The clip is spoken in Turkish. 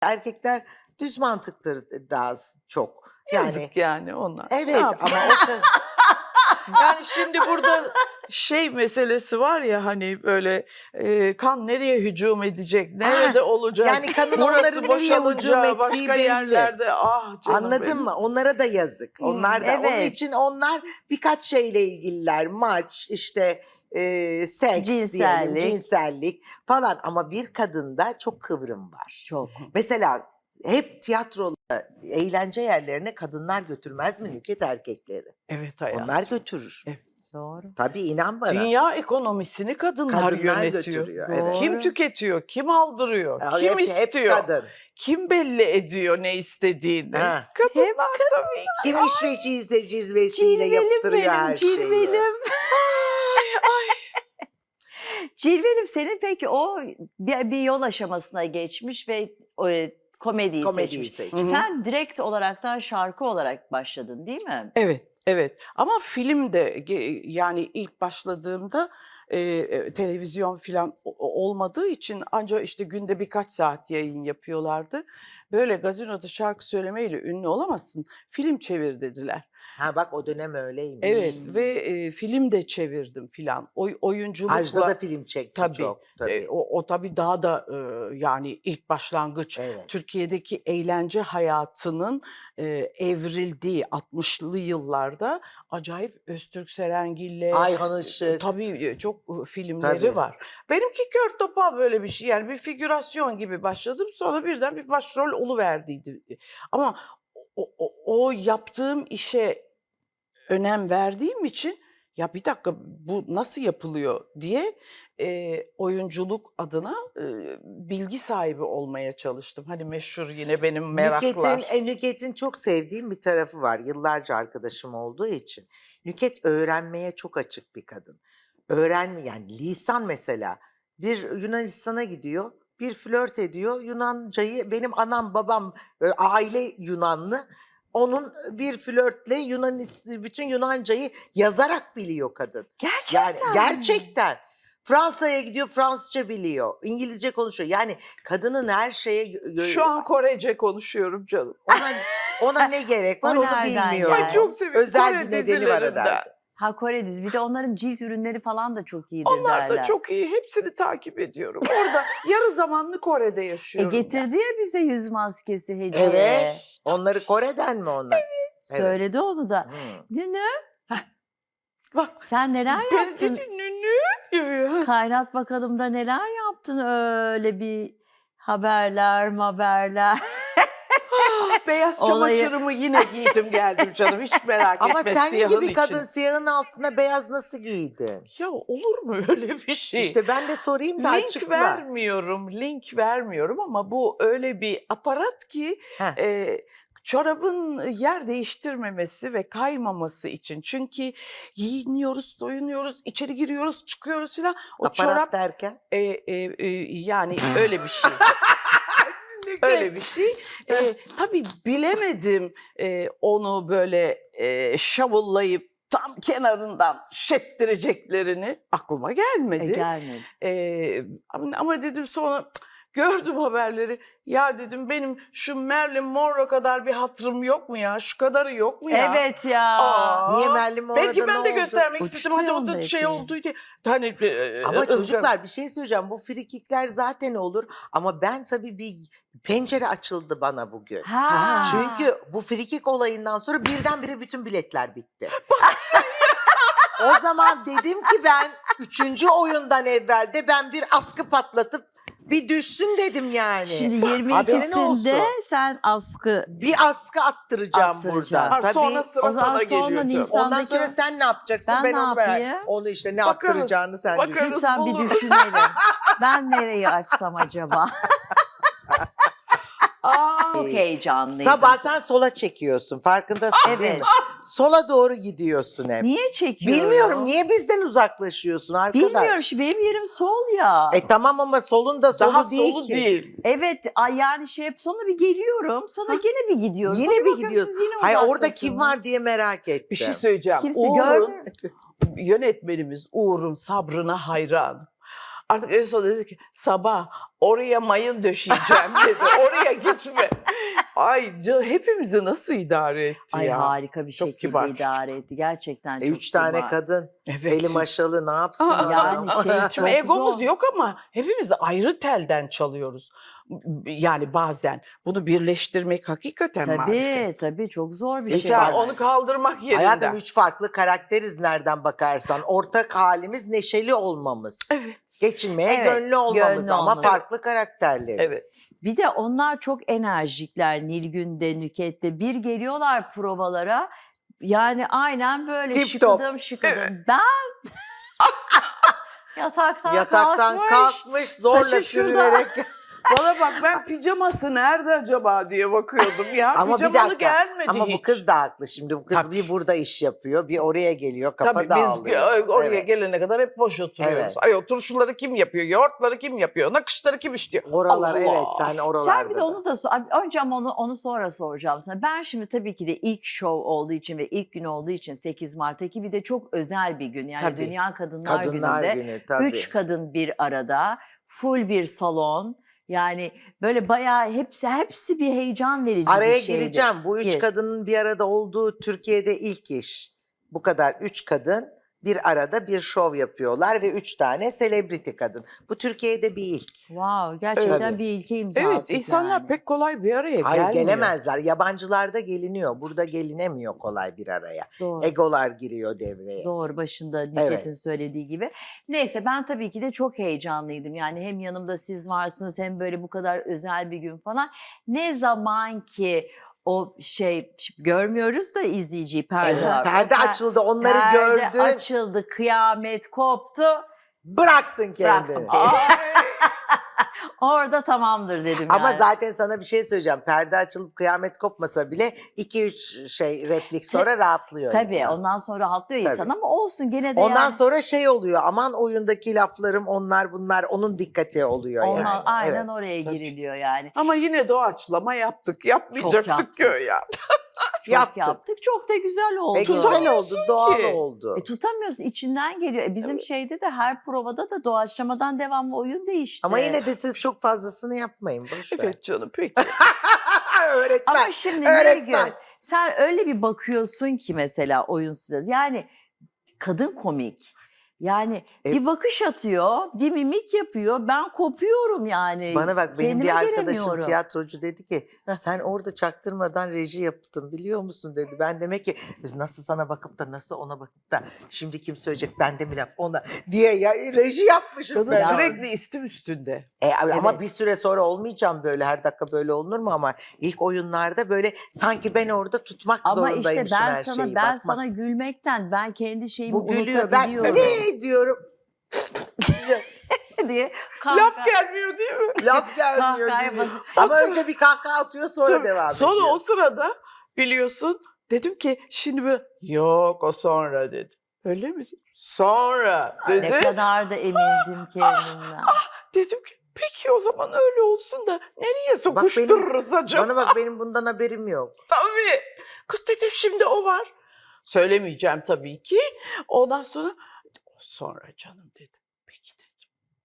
Erkekler düz mantıktır daha çok. Yani Yazık yani onlar. evet ama Yani şimdi burada şey meselesi var ya hani böyle kan nereye hücum edecek, nerede olacak? yani kanın Burası onları nereye hücum boşalınca ettiği başka belli. yerlerde canım Anladın benim. mı? Onlara da yazık. Onlar da. Onun evet. için onlar birkaç şeyle ilgililer. Maç, işte seks diyelim, Cinsellik. cinsellik falan. Ama bir kadında çok kıvrım var. Çok. Mesela hep tiyatroda eğlence yerlerine kadınlar götürmez mi Nükhet erkekleri? Evet hayatım. Onlar götürür. Evet. Doğru. Tabii inan bana. Dünya ekonomisini kadınlar yönetiyor. götürüyor. Doğru. Evet. Kim tüketiyor, kim aldırıyor, kim Hep istiyor, kadın. kim belli ediyor ne istediğini? Ha. Kadınlar Hep tabii. Kim işveciyse cizvesiyle yaptırıyor her şeyi. Cilvelim. Cilvelim senin peki o bir yol aşamasına geçmiş ve komediyi Komediyi seçmiş. seçmiş. Hı hı. Sen direkt olaraktan şarkı olarak başladın değil mi? Evet, evet. Ama film de yani ilk başladığımda televizyon falan olmadığı için ancak işte günde birkaç saat yayın yapıyorlardı. Böyle gazinoda şarkı söylemeyle ünlü olamazsın. Film çevir dediler. Ha bak o dönem öyleymiş. Evet ve film de çevirdim filan. Oyunculukla. Ajda da film çekti Tabii. çok. Tabii. O tabii daha da yani ilk başlangıç. Evet. Türkiye'deki eğlence hayatının evrildiği 60'lı yıllarda acayip Öztürk Serengil'le Ayhan Işık. tabii çok filmleri Tabii. var. Benimki kör topal böyle bir şey yani bir figürasyon gibi başladım sonra birden bir başrol oluverdiydi. Ama o yaptığım işe önem verdiğim için ya bir dakika bu nasıl yapılıyor diye oyunculuk adına bilgi sahibi olmaya çalıştım. Hani meşhur yine benim meraklar. Nükhet'in çok sevdiğim bir tarafı var. Yıllarca arkadaşım olduğu için. Nükhet öğrenmeye çok açık bir kadın. Yani lisan mesela. Bir Yunanistan'a gidiyor. Bir flört ediyor. Yunancayı benim anam babam aile Yunanlı. Onun bir flörtle bütün Yunancayı yazarak biliyor kadın. Gerçekten Yani mi? gerçekten. Fransa'ya gidiyor, Fransızca biliyor. İngilizce konuşuyor. Yani kadının her şeye Şu an Korece konuşuyorum canım. ona ne gerek var O onu nereden bilmiyorum. geldi? Ay çok seviyorum Özel Kore bir nedeni var dizilerinden. herhalde. Ha Kore dizisi. Bir de onların cilt ürünleri falan da çok iyidir Onlar derler. da çok iyi. Hepsini takip ediyorum. Orada yarı zamanlı Kore'de yaşıyorum. Getirdi ya bize yüz maskesi hediye. Evet. Onları Kore'den mi onlar? Söyledi onu da. Hmm. Nünü Bak sen neler ben yaptın? dedi nünü. Kaynat bakalım da neler yaptın öyle bir haberler. Beyaz Olayı- çamaşırımı yine giydim geldim canım. Hiç merak Ama etme senin siyahın gibi için. kadın siyahın altına beyaz nasıl giydin? Ya olur mu öyle bir şey? İşte ben de sorayım da link açıkla. vermiyorum ama bu öyle bir aparat ki Heh. çorabın yer değiştirmemesi ve kaymaması için. Çünkü giyiniyoruz, soyunuyoruz, içeri giriyoruz, çıkıyoruz filan. O Aparat çorap derken? yani öyle bir şey. Öyle bir şey. Tabii bilemedim onu böyle şavullayıp tam kenarından şettireceklerini aklıma gelmedi. Gelmedi. Ama dedim sonra gördüm haberleri. Ya dedim benim şu Marilyn Monroe kadar bir hatırım yok mu ya? Şu kadarı yok mu ya? Evet ya. Aa, Niye Marilyn Monroe'da belki ben de ne oldu? göstermek Uçtu istedim. Hadi ya o da ondaki. şey oldu diye. Hani, Ama ızgara- çocuklar bir şey söyleyeceğim. Bu frikikler zaten olur. Ama ben tabii bir pencere açıldı bana bugün. Ha. Çünkü bu frikik olayından sonra birdenbire bütün biletler bitti. O zaman dedim ki ben 3. oyundan evvelde ben bir askı patlatıp bir düşsün dedim yani. Şimdi Haberin 22'sinde olsun. sen askı Bir askı attıracağım Attıracağım. buradan. Ha, Tabii. sonra sıra O zaman sana sonra geliyor. canım. Nisan- Ondan sonra sen ne yapacaksın? Ben ne onu merak. yapayım? Onu işte ne Bakarız, attıracağını sen bakarız. düşün. lütfen bir buluruz. düşünelim. Ben nereyi açsam acaba? Aa, Çok heyecanlıydım. Sabah sen sola çekiyorsun. Farkındasın değil mi? Evet. Sola doğru gidiyorsun hep. Niye çekiyorum? Bilmiyorum niye bizden uzaklaşıyorsun arkadaş? Bilmiyorum. Şimdi benim yerim sol ya. Tamam ama solun da solu daha değil solu ki. değil. Evet yani hep sonra bir geliyorum. Sonra gene bir gidiyorum. Yine Sonra bir bakıyorum gidiyorsun. siz yine Hayır orada uzaktasınız. kim var diye merak ettim. Bir şey söyleyeceğim. Kimse Uğur'un, görmüyor. yönetmenimiz Uğur'un sabrına hayran. Artık en son dedi ki sabah oraya mayın döşeyeceğim dedi. Oraya gitme. Ay hepimizi nasıl idare etti Ay ya. harika bir Çok şekilde kibar çocuk. idare etti. Gerçekten çok 3 tane kibar. kadın. Evet. Eli maşalı ne yapsın Aa, adam? Yani şey Şimdi çok egomuz zor. yok ama hepimiz ayrı telden çalıyoruz. Yani bazen bunu birleştirmek hakikaten Tabii marifet. tabii çok zor bir Hiç şey. Mesela var. onu kaldırmak yerinden. Hayatım 3 farklı karakteriz nereden bakarsan. Ortak halimiz neşeli olmamız. Evet. Geçinmeye Evet, gönlü olmamız gönlü ama olması. farklı karakterleriz. Evet. Bir de onlar çok enerjikler Nilgün'de, Nüket'te. Bir geliyorlar provalara. Yani aynen böyle Tip top. şıkıdım şıkıdım. Ben yataktan Yataktan kalkmış zorla saçı şurada. sürünerek. Bana bak ben pijaması nerede acaba diye bakıyordum ya. Ama bir Pijamalı dakika. gelmedi Ama hiç. bu kız da haklı şimdi. Bu kız Tabii. bir burada iş yapıyor, bir oraya geliyor, kafa Tabii dağılıyor. biz oraya Evet. gelene kadar hep boş oturuyoruz. Evet. Ay o turşuları kim yapıyor, yoğurtları kim yapıyor, nakışları kim işliyor? Oralar Allah! evet sen oralarda. Sen bir de onu da önce ama onu sonra soracağım sana. Ben şimdi tabii ki de ilk show olduğu için ve ilk gün olduğu için 8 Mart'taki bir de çok özel bir gün. Yani Tabii. Dünya Kadınlar, Kadınlar Günü'nde Günü tabii. 3 kadın bir arada, full bir salon. Yani böyle bayağı hepsi bir heyecan verici Araya bir şeydi. gireceğim. Bu 3 Gir. kadının bir arada olduğu Türkiye'de ilk iş. Bu kadar 3 kadın bir arada bir şov yapıyorlar ve 3 tane selebriti kadın. Bu Türkiye'de bir ilk. Wow, gerçekten Tabii. bir ilke imza Evet, attık insanlar yani. pek kolay bir araya Hayır gelmiyor. gelemezler. Yabancılarda geliniyor. Burada gelinemiyor kolay bir araya. Doğru. Egolar giriyor devreye. Doğru başında Nüket'in söylediği gibi. Neyse ben tabii ki de çok heyecanlıydım. Yani hem yanımda siz varsınız hem böyle bu kadar özel bir gün falan. Ne zaman ki o şey görmüyoruz da izleyiciyi perde var. Perde O açıldı onları perde gördün. açıldı, kıyamet koptu. Bıraktın kendini. Bıraktım. Ay, Orada tamamdır dedim Ama yani. zaten sana bir şey söyleyeceğim. Perde açılıp kıyamet kopmasa bile 2-3 replik sonra rahatlıyor Tabii insan. ondan sonra rahatlıyor insan Tabii. ama olsun gene de Ondan yani. sonra şey oluyor. Aman oyundaki laflarım onlar bunlar onun dikkati oluyor Ondan, yani. aynen Evet. oraya Tabii. giriliyor yani. ama yine doğaçlama yaptık. Yapmayacaktık yaptık. ki ya. Çok Yaptık. yaptık. Çok da güzel oldu. Ve güzel oldu, Tutamıyorsun doğal ki. oldu. Tutamıyorsun içinden geliyor. Bizim şeyde de her provada da doğaçlamadan devamlı oyun değişti. Ama yine de siz çok fazlasını yapmayın. Boş ver. Evet canım peki. Öğretmen. Ama şimdi öğretmen. Nilgün sen öyle bir bakıyorsun ki mesela oyun sırasında yani kadın komik. Yani bir bakış atıyor, bir mimik yapıyor. Ben kopuyorum yani. Bana bak benim Kendime bir arkadaşım gelemiyorum. tiyatrocu dedi ki sen orada çaktırmadan reji yaptın biliyor musun dedi. Ben demek ki biz nasıl sana bakıp da nasıl ona bakıp da şimdi kim söyleyecek bende mi laf ona diye ya, reji yapmışım Kadın ben. sürekli istim üstünde. Ama Evet. bir süre sonra olmayacağım böyle her dakika böyle olunur mu ama ilk oyunlarda böyle sanki ben orada tutmak Ama işte zorundaymışım ben her sana şeyi. ben bakmak. sana gülmekten ben kendi şeyimi Bu gülüyor ben unutabiliyorum ne diyorum diye Laf gelmiyor değil mi? laf gelmiyor kahkahaya gülüyor. basıp Ama önce bir kahkaha atıyor sonra Tabii. devam Sonra ediyor. o sırada biliyorsun dedim ki şimdi böyle yok o sonra dedi. Öyle mi? Sonra dedi. ne kadar da emindim kendimden. Dedim ki peki o zaman öyle olsun da nereye sokuştururuz acaba? Bana bak benim bundan haberim yok. Tabii. Kız dedim şimdi o var. Söylemeyeceğim tabii ki. Ondan sonra canım dedi. Peki dedi.